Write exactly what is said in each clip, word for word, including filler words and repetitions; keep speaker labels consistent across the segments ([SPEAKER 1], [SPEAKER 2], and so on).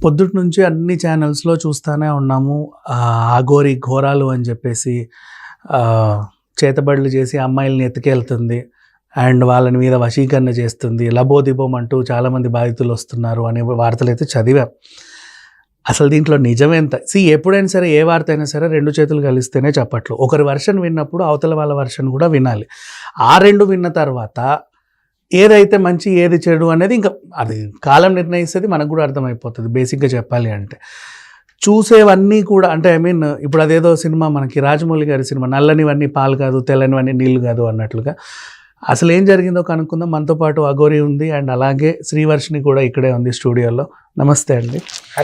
[SPEAKER 1] పొద్దుటి నుంచి అన్ని ఛానల్స్లో చూస్తూనే ఉన్నాము. అఘోరి ఘోరాలు అని చెప్పేసి చేతబడులు చేసి అమ్మాయిల్ని ఎత్తుకెళ్తుంది అండ్ వాళ్ళని మీద వశీకరణ చేస్తుంది, లబోదిబోం అంటూ చాలామంది బాధితులు వస్తున్నారు అనే వార్తలు అయితే చదివాం. అసలు దీంట్లో నిజమేంత? సి ఎప్పుడైనా సరే ఏ వార్త అయినా సరే రెండు చేతులు కలిస్తేనే చెప్పట్లు. ఒకరి వర్షన్ విన్నప్పుడు అవతల వాళ్ళ వర్షన్ కూడా వినాలి. ఆ రెండు విన్న తర్వాత ఏదైతే మంచి ఏది చెడు అనేది ఇంకా అది కాలం నిర్ణయిస్తుంది, మనకు కూడా అర్థమైపోతుంది. బేసిక్గా చెప్పాలి అంటే చూసేవన్నీ కూడా అంటే ఐ మీన్ ఇప్పుడు అదేదో సినిమా మనకి రాజమౌళి గారి సినిమా నల్లనివన్నీ పాలు కాదు తెల్లనివన్నీ నీళ్ళు కాదు అన్నట్లుగా అసలు ఏం జరిగిందో కనుక్కుందాం. మనతో పాటు అఘోరి ఉంది అండ్ అలాగే శ్రీవర్షిని కూడా ఇక్కడే ఉంది స్టూడియోలో. నమస్తే అండి.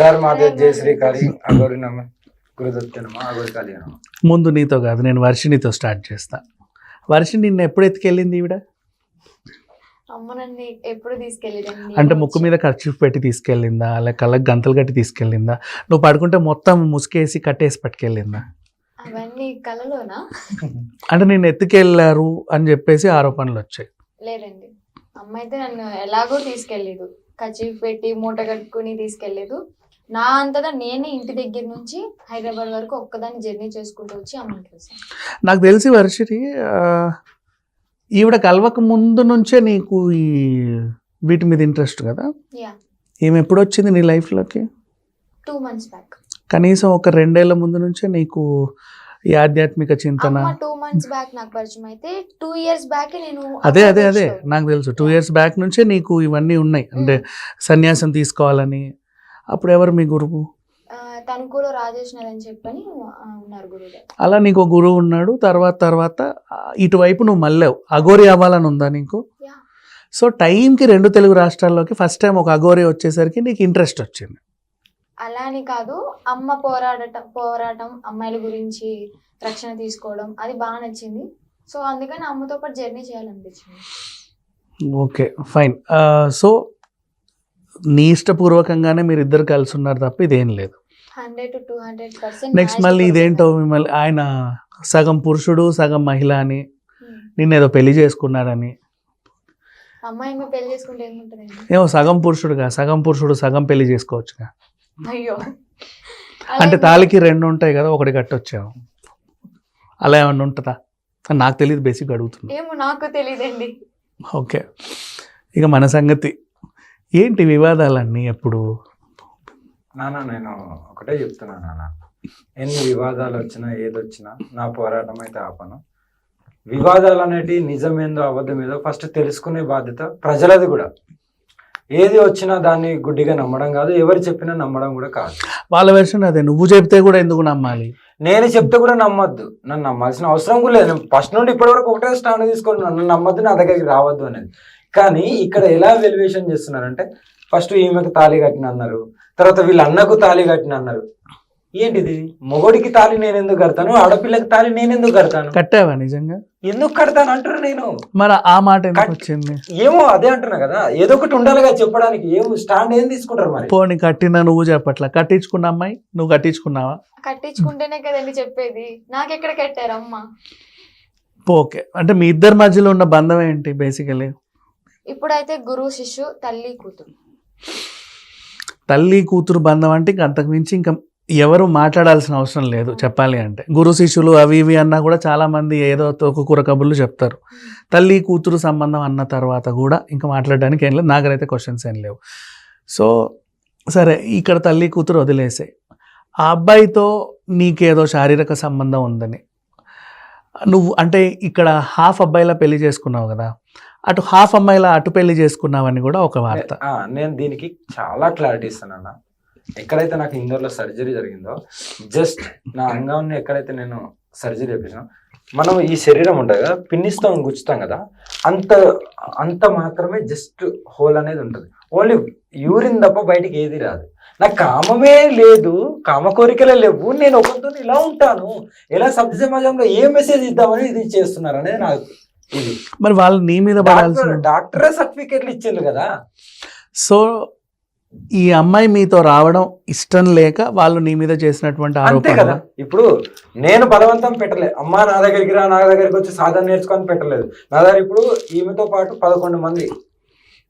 [SPEAKER 1] ముందు నీతో కాదు, నేను వర్షినితో స్టార్ట్ చేస్తా. వర్షిని నిన్న ఎప్పుడు ఎత్తుకెళ్ళింది ఈవిడ? అంటే ముక్కు మీద ఖర్చు పెట్టి తీసుకెళ్ళిందా, లేక కళ్ళకి గంతలు కట్టి తీసుకెళ్ళిందా, నువ్వు పడుకుంటే మొత్తం ముసుకేసి కట్టేసి పట్టుకెళ్ళిందా?
[SPEAKER 2] అవన్నీ కలలోనా?
[SPEAKER 1] అంటే నేను ఎత్తుకెళ్ళారు అని చెప్పేసి ఆరోపణలు వచ్చాయి.
[SPEAKER 2] లేదండి, అమ్మ అయితే నన్ను ఎలాగో తీసుకెళ్ళలేదు, కచీఫ్ పెట్టి మూట కట్టుకుని తీసుకెళ్ళలేదు. నా అంతటా నేనే ఇంటి దగ్గర నుంచి హైదరాబాద్ వరకు ఒక్కదాన్ని జర్నీ చేసుకుంటూ వచ్చి అమ్మని చూసాను.
[SPEAKER 1] నాకు తెలిసి వర్షిని ఈవిడ కలవక ముందు నుంచే నీకు ఈ వీటి మీద ఇంట్రెస్ట్ కదా?
[SPEAKER 2] యా.
[SPEAKER 1] ఈమె ఎప్పుడు వచ్చింది నీ లైఫ్లోకి?
[SPEAKER 2] Two months back.
[SPEAKER 1] కనీసం ఒక రెండేళ్ల ముందు నుంచే నీకు ఈ ఆధ్యాత్మిక చింతన?
[SPEAKER 2] టూ మంత్స్ బ్యాక్ నాకు పరిచయం అయితే టూ ఇయర్స్ బ్యాక్ నేను
[SPEAKER 1] అదే అదే అదే నాకు తెలుసు. టూ ఇయర్స్ బ్యాక్ నుంచే నీకు ఇవన్నీ ఉన్నాయి, అంటే సన్యాసం తీసుకోవాలని. అప్పుడు ఎవరు మీ గురువు?
[SPEAKER 2] తణుకులో రాజేష్ అని చెప్పని ఉన్నారు గురువు.
[SPEAKER 1] అలా నీకు గురువు ఉన్నాడు. తర్వాత తర్వాత ఇటువైపు నువ్వు మళ్ళావు. అఘోరి అవ్వాలని ఉందా నీకు? సో టైంకి రెండు తెలుగు రాష్ట్రాల్లోకి ఫస్ట్ టైం ఒక అఘోరి వచ్చేసరికి నీకు ఇంట్రెస్ట్ వచ్చింది.
[SPEAKER 2] అలా అని కాదు, అమ్మ పోరాడటం పోరాటం అమ్మాయిల గురించి రక్షణ తీసుకోవడం అది బాగా నచ్చింది. సో అందుకని అమ్మతో పాటు జర్నీ చేయాలనిపించింది.
[SPEAKER 1] Okay fine. సో నీ ఇష్టపూర్వకంగానే మీరు ఇద్దరు కలిసి ఉన్నారు తప్ప ఇదేం లేదు.
[SPEAKER 2] Hundred to two hundred percent.
[SPEAKER 1] Next మళ్ళీ ఇదేంటో మిమ్మల్ని ఆయన సగం పురుషుడు సగం మహిళ అని, నిన్నేదో పెళ్లి చేసుకున్నాడని.
[SPEAKER 2] అమ్మాయి పెళ్లి చేసుకుంటే ఏముంటుంది?
[SPEAKER 1] ఏమో సగం పురుషుడుగా సగం పురుషుడు సగం పెళ్లి చేసుకోవచ్చుగా.
[SPEAKER 2] అయ్యో,
[SPEAKER 1] అంటే తాళికి రెండు ఉంటాయి కదా, ఒకటి కట్టొచ్చావు. అలా ఏమన్నా ఉంటుందా? నాకు తెలియదు, బేసిక్ అడుగుతున్నా.
[SPEAKER 2] ఏమో నాకు తెలియదండి.
[SPEAKER 1] ఓకే, ఇక మన సంగతి ఏంటి? వివాదాలన్నీ ఎప్పుడు?
[SPEAKER 3] నాన్న నేను ఒకటే చెప్తున్నా నాన్న, ఎన్ని వివాదాలు వచ్చినా ఏదొచ్చినా నా పోరాటం అయితే ఆపను. వివాదాలు అనేటివి నిజమేందో అబద్ధమేదో ఫస్ట్ తెలుసుకునే బాధ్యత ప్రజలది కూడా. ఏది వచ్చినా దాన్ని గుడ్డిగా నమ్మడం కాదు, ఎవరు చెప్పినా నమ్మడం కూడా కాదు.
[SPEAKER 1] వాళ్ళ వెర్షన్ అదే, నువ్వు చెప్తే కూడా ఎందుకు నమ్మాలి?
[SPEAKER 3] నేను చెప్తే కూడా నమ్మద్దు, నన్ను నమ్మాల్సిన అవసరం కూడా లేదు. ఫస్ట్ నుండి ఇప్పటి వరకు ఒకటే స్టాండ్ తీసుకొని నన్ను నమ్మద్దు, నా దగ్గరికి రావద్దు అనేది. కానీ ఇక్కడ ఎలా వెల్యువేషన్ చేస్తున్నారంటే ఫస్ట్ ఈమెకు తాళి కట్టిన అన్నారు, తర్వాత వీళ్ళ అన్నకు తాళి కట్టిన అన్నారు. ఏంటిది? మొగోడికి తాళి నేను ఎందుకు కడతాను, ఆడపిల్లకి తాళి నేను ఎందుకు కడతాను?
[SPEAKER 1] కట్టావా నిజంగా?
[SPEAKER 3] ఎందుకు కడతాను అంటారు. నేను
[SPEAKER 1] మరి ఆ మాట ఎందుకు వచ్చింది?
[SPEAKER 3] ఏమో అదే అంటున్నా కదా, ఏదో ఒకటి ఉండాలిగా చెప్పడానికి. ఏం స్టాండ్ ఏం తీసుకుంటారు మరి?
[SPEAKER 1] పోనీ కట్టినా నువ్వు చెప్పట్లా, కట్టించుకున్న అమ్మాయి నువ్వు కట్టించుకున్నావా?
[SPEAKER 2] కట్టించుకుంటేనే కదండి చెప్పేది, నాకెక్కడ కట్టారు అమ్మ?
[SPEAKER 1] ఓకే, అంటే మీ ఇద్దరి మధ్యలో ఉన్న బంధం ఏంటి బేసికలీ?
[SPEAKER 2] ఇప్పుడైతే గురువు శిష్యు, తల్లి కూతురు.
[SPEAKER 1] తల్లి కూతురు బంధం అంటే ఇంక అంతకు మించి ఇంకా ఎవరు మాట్లాడాల్సిన అవసరం లేదు చెప్పాలి అంటే. గురు శిష్యులు అవి ఇవి అన్నా కూడా చాలామంది ఏదో తోకకూర కబుర్లు చెప్తారు. తల్లి కూతురు సంబంధం అన్న తర్వాత కూడా ఇంకా మాట్లాడడానికి ఏం లేదు, నాకైతే క్వశ్చన్స్ ఏం లేవు. సో సరే, ఇక్కడ తల్లి కూతురు వదిలేసాయి. ఆ అబ్బాయితో నీకేదో శారీరక సంబంధం ఉందని నువ్వు అంటే ఇక్కడ హాఫ్ అబ్బాయిలా పెళ్లి చేసుకున్నావు కదా, అటు హాఫ్ అమ్మాయిలా అటు పెళ్లి చేసుకున్నావని కూడా ఒక వార్త.
[SPEAKER 3] నేను దీనికి చాలా క్లారిటీ ఇస్తానన్నా. ఎక్కడైతే నాకు ఇందోర్లో సర్జరీ జరిగిందో, జస్ట్ నా అంగాన్ని ఎక్కడైతే నేను సర్జరీ చేపించాను, మనం ఈ శరీరం ఉంటుంది కదా, పిన్నిస్తాం గుచ్చుతాం కదా, అంత అంత మాత్రమే జస్ట్ హోల్ అనేది ఉంటుంది. ఓన్లీ యూరిన్ తప్ప బయటికి ఏది రాదు. నాకు కామమే లేదు, కామ కోరికలే లేవు, నేను ఒకరితో ఇలా ఉంటాను, ఎలా సభ్య సమాజంలో ఏ మెసేజ్ ఇద్దామని ఇది చేస్తున్నారు అనేది నాకు ఇది.
[SPEAKER 1] మరి వాళ్ళు నీ మీద
[SPEAKER 3] డాక్టరే సర్టిఫికేట్లు ఇచ్చిండ్రు కదా.
[SPEAKER 1] సో ఈ అమ్మాయి మీతో రావడం ఇష్టం లేక వాళ్ళు నీ మీద చేసినటువంటి ఆరోపణ
[SPEAKER 3] కదా. ఇప్పుడు నేను బలవంతం పెట్టలేదు, అమ్మా నా దగ్గరికి రా, నా దగ్గరికి వచ్చి సాధన నేర్చుకొని పెట్టలేదు. నా దగ్గర ఇప్పుడు ఈమెతో పాటు పదకొండు మంది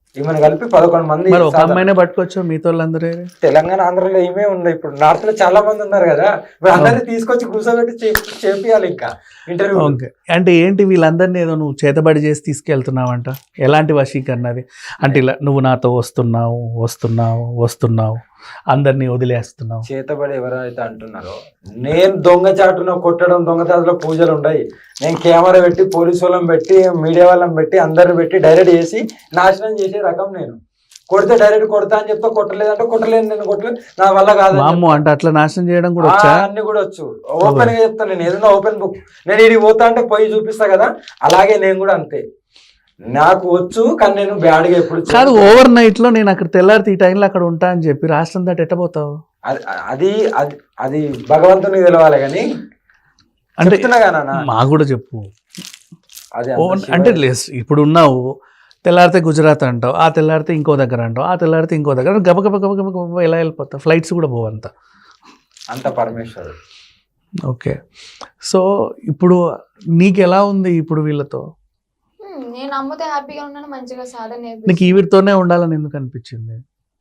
[SPEAKER 3] ఈమెను కలిపి పదకొండు మంది
[SPEAKER 1] మరి ఒక
[SPEAKER 3] సాధన.
[SPEAKER 1] అమ్మాయినే పట్టుకోవచ్చు మిగతా వాళ్ళందరూ
[SPEAKER 3] తెలంగాణ ఆంధ్రలో ఏమే ఉంది, ఇప్పుడు నార్త్ లో చాలా మంది ఉన్నారు కదా, ఇప్పుడు అందరినీ తీసుకొచ్చి కూర్చోబెట్టి చే- చేపియాలి ఇంకా ఇంటర్వ్యూ.
[SPEAKER 1] ఓకే, అంటే ఏంటి వీళ్ళందరినీ ఏదో నువ్వు చేతబడి చేసి తీసుకెళ్తున్నావంట? ఎలాంటి వశీకరణ అది? అంటే ఇలా నువ్వు నాతో వస్తున్నావు వస్తున్నావు వస్తున్నావు అందరినీ వదిలేస్తున్నావు.
[SPEAKER 3] చేతబడి ఎవరైతే అంటున్నారో, నేను దొంగచాటున కొట్టడం, దొంగచాటులో పూజలు ఉన్నాయి, నేను కెమెరా పెట్టి పోలీసు వాళ్ళని పెట్టి మీడియా వాళ్ళని పెట్టి అందరిని పెట్టి డైరెక్ట్ చేసి నాశనం చేసే రకం నేను. కొడితే డైరెక్ట్ కొడతా అని చెప్తా, కొట్టలేదంటే కొట్టలేదు, నేను కొట్టలేదు, నా వల్ల కాదు.
[SPEAKER 1] అమ్మో, అంటే అట్లా నాశనం చేయడం కూడా వచ్చా?
[SPEAKER 3] అన్ని కూడా వచ్చు, ఓపెన్ గా చెప్తాను నేను, ఏదైనా ఓపెన్ బుక్. నేను ఇది పోతా అంటే పోయి చూపిస్తా కదా, అలాగే నేను కూడా అంతే, నాకు వచ్చు. కానీ నేను బ్యాడ్ గా ఎప్పుడు
[SPEAKER 1] కాదు, ఓవర్ నైట్ లో నేను అక్కడ తెల్లారితే ఈ టైంలో అక్కడ ఉంటా అని చెప్పి రాష్ట్రం దాటి ఎట్టబోతావు?
[SPEAKER 3] అది అది అది అది భగవంతునికి తెలవాలి కానీ
[SPEAKER 1] అంటే
[SPEAKER 3] చెప్తున్నా కదా
[SPEAKER 1] మాకు కూడా చెప్పు.
[SPEAKER 3] అది
[SPEAKER 1] ఓవర్ అంటే లేస్ ఇప్పుడు ఉన్నావు, తెల్లారితే గుజరాత్ అంటావు, ఆ తెల్లారితే ఇంకో దగ్గర అంటావు, ఆ తెల్లారితే ఇంకో దగ్గర, గబ గబ గబ గబ గబ ఎలా వెళ్ళిపోతావు? ఫ్లైట్స్ కూడా పోవంత
[SPEAKER 3] అంత పరమేశ్వరుడు.
[SPEAKER 1] ఓకే, సో ఇప్పుడు నీకు ఎలా ఉంది ఇప్పుడు వీళ్ళతో?
[SPEAKER 2] హ్మ్, నేను అమ్మతో హ్యాపీగా ఉన్నాను, మంచిగా సాధన
[SPEAKER 1] నీకు
[SPEAKER 2] నేర్పిస్తాను.
[SPEAKER 1] ఈవిడితోనే ఉండాలని ఎందుకు అనిపించింది?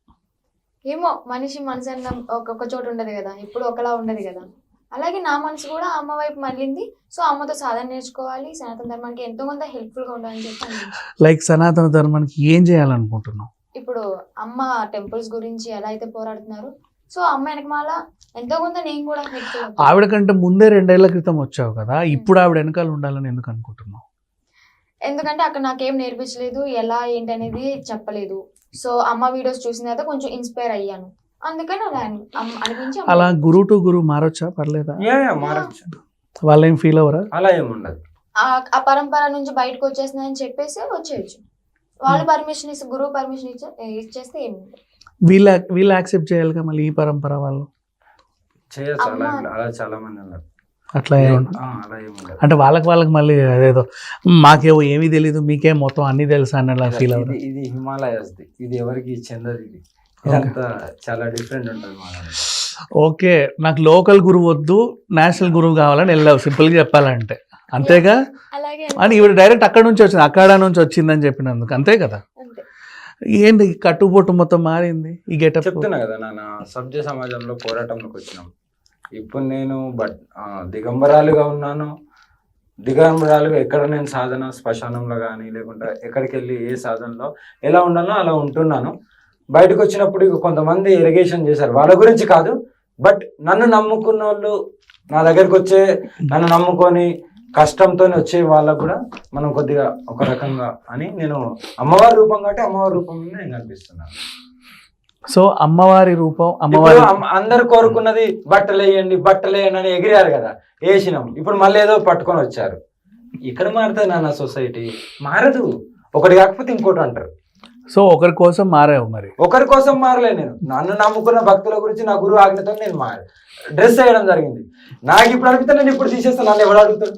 [SPEAKER 2] ఏమో మనిషి మనసు అన్న ఒక్కొక్క చోట ఉండదు కదా, ఇప్పుడు ఒకలా ఉండదు కదా. అలాగే నా మనసు కూడా అమ్మ వైపు మళ్ళింది. సో అమ్మతో సాధన నేర్చుకోవాలి, సనాతన ధర్మానికి ఎంతో కొంత హెల్ప్ఫుల్ గా ఉండాలని చెప్పి అనిపించింది.
[SPEAKER 1] లైక్ సనాతన ధర్మానికి ఏం చేయాలనుకుంటున్నావు?
[SPEAKER 2] ఇప్పుడు అమ్మ టెంపుల్స్ గురించి ఎలా అయితే పోరాడుతున్నారు, సో అమ్మ వెనకమాల ఎంతో కొంత నేను కూడా హెల్ప్ఫుల్.
[SPEAKER 1] ఆవిడ కంటే ముందే రెండేళ్ల క్రితం వచ్చావు కదా, ఇప్పుడు ఆవిడ వెనకాల ఉండాలని ఎందుకు అనుకుంటున్నావు?
[SPEAKER 2] ఎందుకంటే అక్కడ నాకేం నేర్పించలేదు, ఎలా ఏంటి అనేది చెప్పలేదు. సో అమ్మ వీడియోస్ చూసిన తర్వాత కొంచెం ఇన్స్పైర్ అయ్యాను, అందుకని అలా అని- అమ్- అనిపించి అమ్మ
[SPEAKER 1] అలా గురు టు గురు మారొచ్చా? పర్లేదా?
[SPEAKER 3] యా, యా, మారచ్చు,
[SPEAKER 1] వాళ్ళు ఏం ఫీల్ అవ్వరా?
[SPEAKER 3] అలా ఏమి ఉండదు.
[SPEAKER 2] ఆ- ఆ పరంపర నుంచి బయటకు వచ్చేస్తుందని చెప్పేసి వచ్చేయచ్చు. వాళ్ళు పర్మిషన్ ఇస్తే, గురువు పర్మిషన్ ఇచ్చే ఇచ్చేస్తే ఏమి ఉండదు.
[SPEAKER 1] వీళ్ళ వీళ్ళు యాక్సెప్ట్ చేయాలిగా మళ్ళీ ఈ పరంపర వాళ్ళు.
[SPEAKER 3] చేయొచ్చు, అలా
[SPEAKER 2] అమ్మ-
[SPEAKER 3] ఏం లేదు. అలా చాలా మంది ఉన్నారు.
[SPEAKER 1] అట్లా ఏం-
[SPEAKER 3] ఆ, అలా ఏమి ఉండదు.
[SPEAKER 1] అంటే వాళ్ళకి వాళ్ళకి మళ్ళీ అదేదో మాకేమో ఏమీ తెలీదు మీకేం మొత్తం అన్ని తెలుసా అన్నలా ఫీల్
[SPEAKER 3] ఇది
[SPEAKER 1] అవ్వరు.
[SPEAKER 3] ఇది హిమాలయస్ ది, ఇది ఎవరికి చెందదు. ఇది ఇదంతా చాలా డిఫరెంట్ ఉంటుంది మా దాంట్లో.
[SPEAKER 1] ఓకే, నాకు లోకల్ గురువు వద్దు, నేషనల్ గురువు కావాలని వెళ్ళావు, సింపుల్గా చెప్పాలంటే అంతేగా?
[SPEAKER 2] అలాగే
[SPEAKER 1] అని ఇవి డైరెక్ట్ అక్కడ నుంచి వచ్చింది, అక్కడ నుంచి వచ్చిందని చెప్పినందుకు అంతే కదా?
[SPEAKER 2] అంతే.
[SPEAKER 1] ఏంటి కట్టుబొట్టు మొత్తం మారింది ఈ గెటప్?
[SPEAKER 3] చెప్తున్నా కదా నాన్న, సభ్య సమాజంలో పోరాటంలోకి వచ్చినాం. ఇప్పుడు నేను బట్ ఆ, దిగంబరాలుగా ఉన్నాను. దిగంబరాలుగా ఎక్కడ నేను సాధన శ్మశానంలో కానీ లేకుంటే ఎక్కడికి వెళ్ళి ఏ సాధనలో ఎలా ఉండాలో అలా ఉంటున్నాను. బయటకు వచ్చినప్పుడు ఇక కొంతమంది ఎరిగేషన్ చేశారు, వాళ్ళ గురించి కాదు, బట్ నన్ను నమ్ముకున్న వాళ్ళు, నా దగ్గరికి వచ్చే నన్ను నమ్ముకొని కష్టంతో వచ్చే వాళ్ళకు కూడా మనం కొద్దిగా ఒక రకంగా అని నేను అమ్మవారి రూపం కాబట్టి అమ్మవారి రూపంలో నేను కనిపిస్తున్నాను.
[SPEAKER 1] సో అమ్మవారి రూపం,
[SPEAKER 3] ఇప్పుడు
[SPEAKER 1] అమ్మవారి
[SPEAKER 3] అమ్మ- అందరు కోరుకున్నది బట్టలు వేయండి బట్టలు వేయండి అని ఎగిరారు కదా, వేసినాం. ఇప్పుడు మళ్ళీ ఏదో పట్టుకొని వచ్చారు. ఇక్కడ మారుతుంది నాన్న సొసైటీ, మారదు. ఒకటి కాకపోతే ఇంకోటి అంటారు.
[SPEAKER 1] సో ఒకరి కోసం మారావు మరి.
[SPEAKER 3] ఒకరి కోసం మారలే నేను, నన్ను నమ్ముకున్న భక్తుల గురించి నా గురువు ఆజ్ఞతో నేను మారు డ్రెస్ వేయడం జరిగింది. నాకు ఇప్పుడు అడిగితే నేను ఇప్పుడు తీసేస్తాను, నన్ను ఎవడు అడుగుతాడు?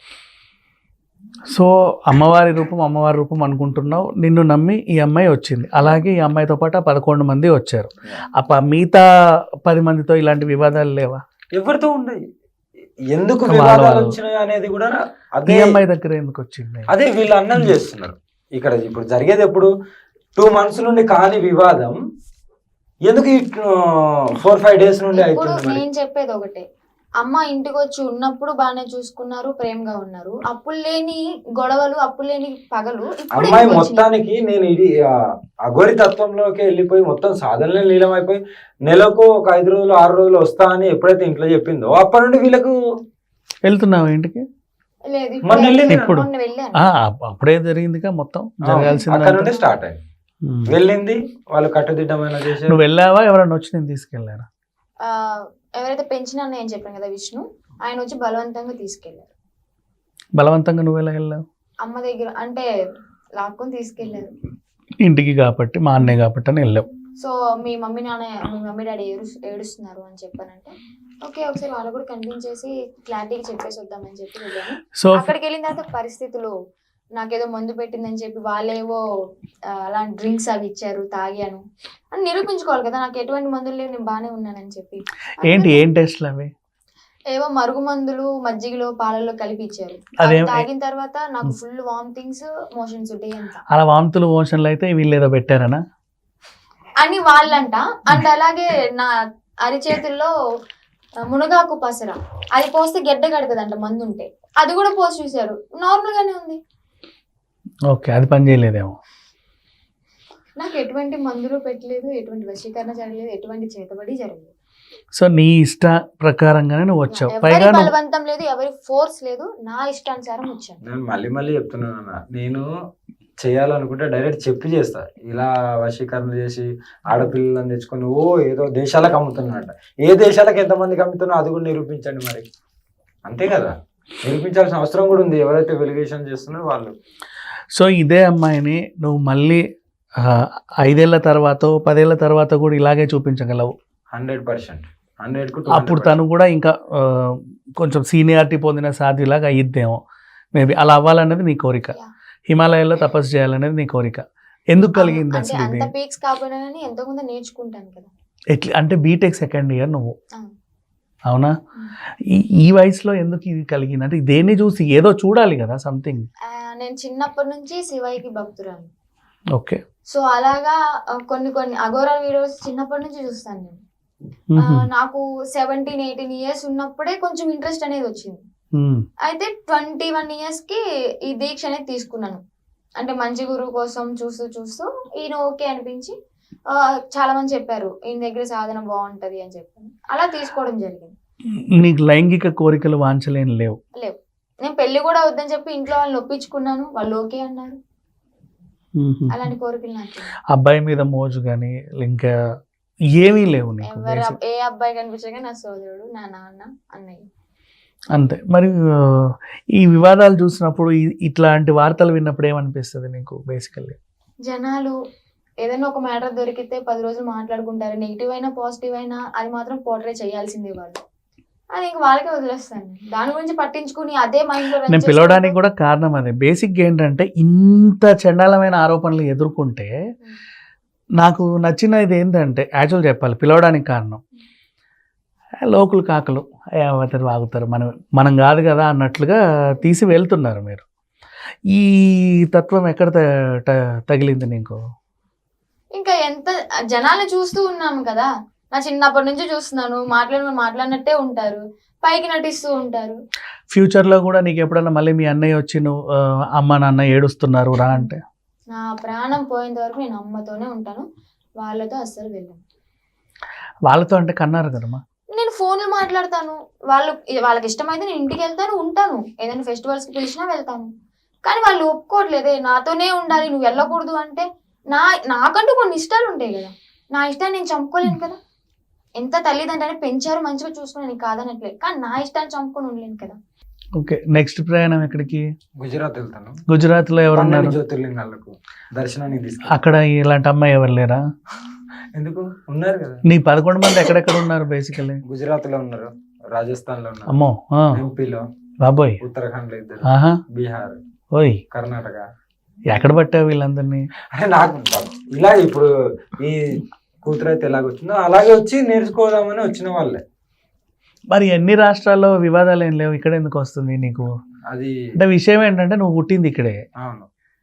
[SPEAKER 1] సో అమ్మవారి రూపం అమ్మవారి రూపం అనుకుంటున్నావు, నిన్ను నమ్మి ఈ అమ్మాయి వచ్చింది, అలాగే ఈ అమ్మాయితో పాటు ఆ పదకొండు మంది వచ్చారు. అప్ప మిగతా పది మందితో ఇలాంటి వివాదాలు లేవా?
[SPEAKER 3] ఎవరితో ఉండయి, ఎందుకు
[SPEAKER 1] వాళ్ళ
[SPEAKER 3] వివాదాలు
[SPEAKER 1] వాళ్ళు.
[SPEAKER 3] వచ్చినాయి అనేది కూడా
[SPEAKER 1] ఈ
[SPEAKER 3] అదే
[SPEAKER 1] అమ్మాయి దగ్గర ఎందుకు వచ్చింది?
[SPEAKER 3] అదే వీళ్ళు అన్నం చేస్తున్నారు. ఇక్కడ ఇప్పుడు జరిగేది ఎప్పుడు టూ మంత్స్ నుండి కాని వివాదం ఎందుకు ఫోర్ ఫైవ్ డేస్ నుండి
[SPEAKER 2] ఇప్పుడు
[SPEAKER 3] అవుతుంది మరి?
[SPEAKER 2] నేను చెప్పేది ఒకటే, అమ్మ ఇంటికి వచ్చి ఉన్నప్పుడు బాగానే చూసుకున్నారు, ప్రేమగా ఉన్నారు. అప్పులు లేని గొడవలు, అప్పులు లేని పగలు ఇప్పుడు
[SPEAKER 3] అమ్మాయి
[SPEAKER 2] ఎందుకు వచ్చినాయి?
[SPEAKER 3] మొత్తానికి నేను ఇది ఆ, అఘోరి తత్వంలోకి వెళ్ళిపోయి మొత్తం సాధనలో లీలమైపోయి నెలకు ఒక ఐదు రోజులు ఆరు రోజులు వస్తా అని ఎప్పుడైతే ఇంట్లో చెప్పిందో అప్పటి నుండి వీళ్ళకు
[SPEAKER 1] వెళ్తున్నావు ఇంటికి?
[SPEAKER 2] లేదు,
[SPEAKER 3] మొన్న
[SPEAKER 2] ఇప్పుడు
[SPEAKER 3] వెళ్ళింది
[SPEAKER 1] ఇప్పుడు.
[SPEAKER 2] మొన్న వెళ్ళాను.
[SPEAKER 1] ఆ, అప్పుడే జరిగిందిగా మొత్తం
[SPEAKER 3] అక్కడ నుండి
[SPEAKER 1] జరగాల్సింది.
[SPEAKER 3] స్టార్ట్ అయింది. వెళ్ళింది, వాళ్ళు కట్టుదిట్టమైన చేశారు.
[SPEAKER 1] నువ్వు వెళ్ళావా, ఎవరైనా వచ్చి నేను తీసుకెళ్ళారా?
[SPEAKER 2] ఆ, ఎవరైతే పెంచిన నేను చెప్పాను కదా విష్ణు, ఆయన వచ్చి బలవంతంగా తీసుకెళ్లారు.
[SPEAKER 1] బలవంతంగా నువ్వు ఎలా వెళ్ళావు?
[SPEAKER 2] అమ్మ దగ్గర అంటే లాక్కొని తీసుకెళ్లారు.
[SPEAKER 1] ఇంటికి కాబట్టి, మా అన్నయ్య కాబట్టి అని వెళ్ళావు.
[SPEAKER 2] సో మీ మమ్మీ నాన్న, మీ మమ్మీ డాడీ ఏడు ఏడుస్తున్నారు అని చెప్పానంటే ఓకే ఒకసారి వాళ్ళు కూడా కనిపించేసి క్లారిటీగా చెప్పేసి వద్దామని చెప్పి వెళ్ళాను.
[SPEAKER 1] సో
[SPEAKER 2] అక్కడికి వెళ్ళిన తర్వాత పరిస్థితులు నాకేదో మందు పెట్టిందని చెప్పి వాళ్ళేవో ఆ, అలాంటి డ్రింక్స్ అవి ఇచ్చారు, తాగాను అని నిరూపించుకోవాలి కదా నాకు ఎటువంటి మందులు లేవు, నేను బాగానే ఉన్నానని చెప్పి.
[SPEAKER 1] ఏంటి ఏం టెస్ట్లు అవి?
[SPEAKER 2] ఏవో మరుగు మందులు మజ్జిగలో పాలల్లో కలిపి ఇచ్చారు.
[SPEAKER 1] అదేం-
[SPEAKER 2] అవి తాగిన తర్వాత నాకు ఫుల్ వామిటింగ్స్ మోషన్స్ ఉంటాయి అంత
[SPEAKER 1] అలా వాంతులు మోషన్లు అయితే వీళ్ళు ఏదో పెట్టారనా?
[SPEAKER 2] అని వాళ్ళంట. అండ్ అలాగే నా అరిచేతుల్లో ఆ, మునగాకు పసర అది పోస్తే గెడ్డ కడతదంట మందు ఉంటే, అది కూడా పోసి చూసారు, నార్మల్ గానే ఉంది.
[SPEAKER 1] ఓకే, అది పని చేయలేదేమో.
[SPEAKER 2] నాకు ఎటువంటి మందులు పెట్టలేదు, ఎటువంటి వశీకరణ జరగలేదు, ఎటువంటి చేతబడి జరగలేదు.
[SPEAKER 1] సో నీ ఇష్ట ప్రకారంగానే నువ్వు వచ్చావు.
[SPEAKER 2] ఎవరి
[SPEAKER 1] పైగా నువ్వు
[SPEAKER 2] బలవంతం లేదు, ఎవరి ఫోర్స్ లేదు, నా ఇష్టానుసారం వచ్చాను.
[SPEAKER 3] నేను మళ్ళీ మళ్ళీ చెప్తున్నాను అన్న, నేను చేయాలనుకుంటే డైరెక్ట్ చెప్పి చేస్తా. ఇలా వశీకరణ చేసి ఆడపిల్లలను తెచ్చుకొని ఓ ఏదో దేశాలకు అమ్ముతున్నానంట. ఏ దేశాలకు ఎంతమందికి అమ్ముతున్నా అది కూడా నిరూపించండి మరి. అంతే కదా, నిరూపించాల్సిన అవసరం కూడా ఉంది ఎవరైతే వెలిగేషన్ చేస్తున్నారో వాళ్ళు.
[SPEAKER 1] సో ఇదే అమ్మాయిని నువ్వు మళ్ళీ ఆ, ఐదేళ్ల తర్వాత పదేళ్ల తర్వాత కూడా ఇలాగే చూపించగలవు.
[SPEAKER 3] హండ్రెడ్ పర్సెంట్ హండ్రెడ్ కు
[SPEAKER 1] అప్పుడు తను కూడా ఇంకా ఆ, కొంచెం సీనియారిటీ పొందిన సాధ్యులాగా అయ్యిద్దేమో. మేబీ అలా అవ్వాలన్నది నీ కోరిక.
[SPEAKER 2] Yeah.
[SPEAKER 1] హిమాలయాల్లో తపస్సు చేయాలనేది నీ కోరిక. ఎందుకు కలిగింది
[SPEAKER 2] అంటే
[SPEAKER 1] అసలు ఇది?
[SPEAKER 2] అంత పీక్స్ కాకపోయినా కానీ ఎంతో కొంత నేర్చుకుంటాను కదా.
[SPEAKER 1] ఎట్లా అంటే బీటెక్ సెకండ్ ఇయర్ నువ్వు,
[SPEAKER 2] ఆ.
[SPEAKER 1] అవునా? ఈ ఈ వయసులో ఎందుకు ఇది కలిగింది? అంటే దేన్ని చూసి ఏదో చూడాలి కదా, సంథింగ్.
[SPEAKER 2] ఆ, నేను చిన్నప్పటి నుంచి శివయ్యకి భక్తురాలు.
[SPEAKER 1] ఓకే.
[SPEAKER 2] సో అలాగా ఆ, కొన్ని కొన్ని అఘోరా వీడియోస్ చిన్నప్పటి నుంచి చూస్తాను నేను. ఆ, నాకు సెవెంటీన్ ఎయిటీన్ ఇయర్స్ ఉన్నప్పుడే కొంచెం ఇంట్రెస్ట్ అనేది వచ్చింది. అయితే ట్వంటీ వన్ ఇయర్స్ కి ఈ దీక్ష అనేది తీసుకున్నాను. అంటే మంచి గురువు కోసం చూస్తూ చూస్తూ ఈయన ఓకే అనిపించి ఆ, చాలా మంది చెప్పారు ఈయన దగ్గర సాధన బాగుంటది అని చెప్పి అలా తీసుకోవడం జరిగింది.
[SPEAKER 1] నీకు లైంగిక కోరికలు వాంచలేని లేవు?
[SPEAKER 2] లేవు. నేను పెళ్లి కూడా వద్దని చెప్పి ఇంట్లో వాళ్ళని ఒప్పించుకున్నాను, వాళ్ళు ఓకే అన్నారు. అలాంటి కోరికలు నాకు లేవు.
[SPEAKER 1] అబ్బాయి మీద మోజు కానీ ఇంకా ఏమీ లేవు నీకు?
[SPEAKER 2] ఎవరు
[SPEAKER 1] basic.
[SPEAKER 2] ఏ అబ్బాయి కనిపించగా నా సోదరుడు, నా నాన్న, అన్నయ్య.
[SPEAKER 1] అంతే. మరి ఆ, ఈ వివాదాలు చూసినప్పుడు ఈ- ఇట్లాంటి వార్తలు విన్నప్పుడు ఏమనిపిస్తుంది నీకు బేసికల్లీ?
[SPEAKER 2] జనాలు ఏదైనా ఒక మ్యాటర్ దొరికితే పది రోజులు మాట్లాడుకుంటారు, నెగిటివ్ అయినా పాజిటివ్ అయినా అది మాత్రం పోర్ట్రే చేయాల్సిందే వాళ్ళు. అది ఇంక వాళ్ళకే వదిలేస్తాను. దాని గురించి పట్టించుకుని అదే మైండ్ లో
[SPEAKER 1] నేను పిలవడానికి కూడా కారణం అదే. బేసిక్గా ఏంటంటే ఇంత చండాలమైన ఆరోపణలు ఎదుర్కొంటే నాకు నచ్చినది ఏంటంటే, యాక్చువల్ చెప్పాలి, పిలవడానికి కారణం లోకులు కాకలు అవతరు వాగుతారు, మనం మనం కాదు కదా అన్నట్లుగా తీసి వెళ్తున్నారు మీరు. ఈ తత్వం ఎక్కడ త- త- తగిలింది నీకు?
[SPEAKER 2] ఇంకా ఎంత జనాలు చూస్తూ ఉన్నాము కదా, నా చిన్నప్పటి నుంచి చూస్తున్నాను, మాట్లాడి మాట్లాడినట్టే ఉంటారు, పైకి నటిస్తూ ఉంటారు.
[SPEAKER 1] ఫ్యూచర్లో కూడా నీకు ఎప్పుడన్నా మళ్ళీ మీ అన్నయ్య వచ్చి నువ్వు ఆ, అమ్మ నాన్న ఏడుస్తున్నారు రా అంటే?
[SPEAKER 2] నా ప్రాణం పోయేంత వరకు నేను అమ్మతోనే ఉంటాను, వాళ్ళతో అస్సలు వెళ్ళను.
[SPEAKER 1] వాళ్ళతో అంటే కన్నారు కదమ్మా.
[SPEAKER 2] నేను ఫోన్లు మాట్లాడతాను, వాళ్ళు వాళ్ళకి ఇష్టమైతే నేను ఇంటికి వెళ్తాను, ఉంటాను, ఏదైనా ఫెస్టివల్స్కి పిలిచినా వెళ్తాను. కానీ వాళ్ళు ఒప్పుకోవట్లేదే, నాతోనే ఉండాలి, నువ్వు వెళ్ళకూడదు అంటే. నా నాకంటూ కొన్ని ఇష్టాలు ఉంటాయి కదా, నా ఇష్టాన్ని నేను చంపుకోలేను కదా. ఎంత తల్లిదండ్రులని పెంచారు, మంచిగా చూసుకుని నీకు కాదనట్లే, కానీ నా ఇష్టాన్ని చంపుకొని ఉండలేను కదా.
[SPEAKER 1] ఓకే, నెక్స్ట్ ప్రయాణం ఎక్కడికి?
[SPEAKER 3] గుజరాత్ వెళ్తాను.
[SPEAKER 1] గుజరాత్లో ఎవరున్నారు?
[SPEAKER 3] పన్నెండు జ్యోతిర్లింగాలకు దర్శనానికి తీసుకు.
[SPEAKER 1] అక్కడ ఇలాంటి అమ్మాయి ఎవరు లేరా?
[SPEAKER 3] ఎందుకు ఉన్నారు కదా,
[SPEAKER 1] నీ పదకొండు మంది ఎక్కడెక్కడ ఉన్నారు బేసికల్లీ?
[SPEAKER 3] గుజరాత్ లో ఉన్నారు, రాజస్థాన్ లో ఉన్నారు,
[SPEAKER 1] అమ్మో ఆ,
[SPEAKER 3] ఎంపీలో,
[SPEAKER 1] బాబోయ్,
[SPEAKER 3] ఉత్తరాఖండ్ లో ఇద్దరు,
[SPEAKER 1] ఆహా,
[SPEAKER 3] బీహార్,
[SPEAKER 1] ఓయ్,
[SPEAKER 3] కర్ణాటక.
[SPEAKER 1] ఎక్కడ పట్టావు వీళ్ళందరినీ?
[SPEAKER 3] అంటే నాకు ఇలా ఇప్పుడు ఈ కూతురు అయితే ఎలాగ వచ్చిందో అలాగే వచ్చి నేర్చుకోదామని వచ్చిన వాళ్ళే.
[SPEAKER 1] మరి ఎన్ని రాష్ట్రాల్లో వివాదాలు ఏం లేవు, ఇక్కడ ఎందుకు వస్తుంది నీకు?
[SPEAKER 3] అది
[SPEAKER 1] అంటే విషయం ఏంటంటే నువ్వు పుట్టింది ఇక్కడే.
[SPEAKER 3] అవును,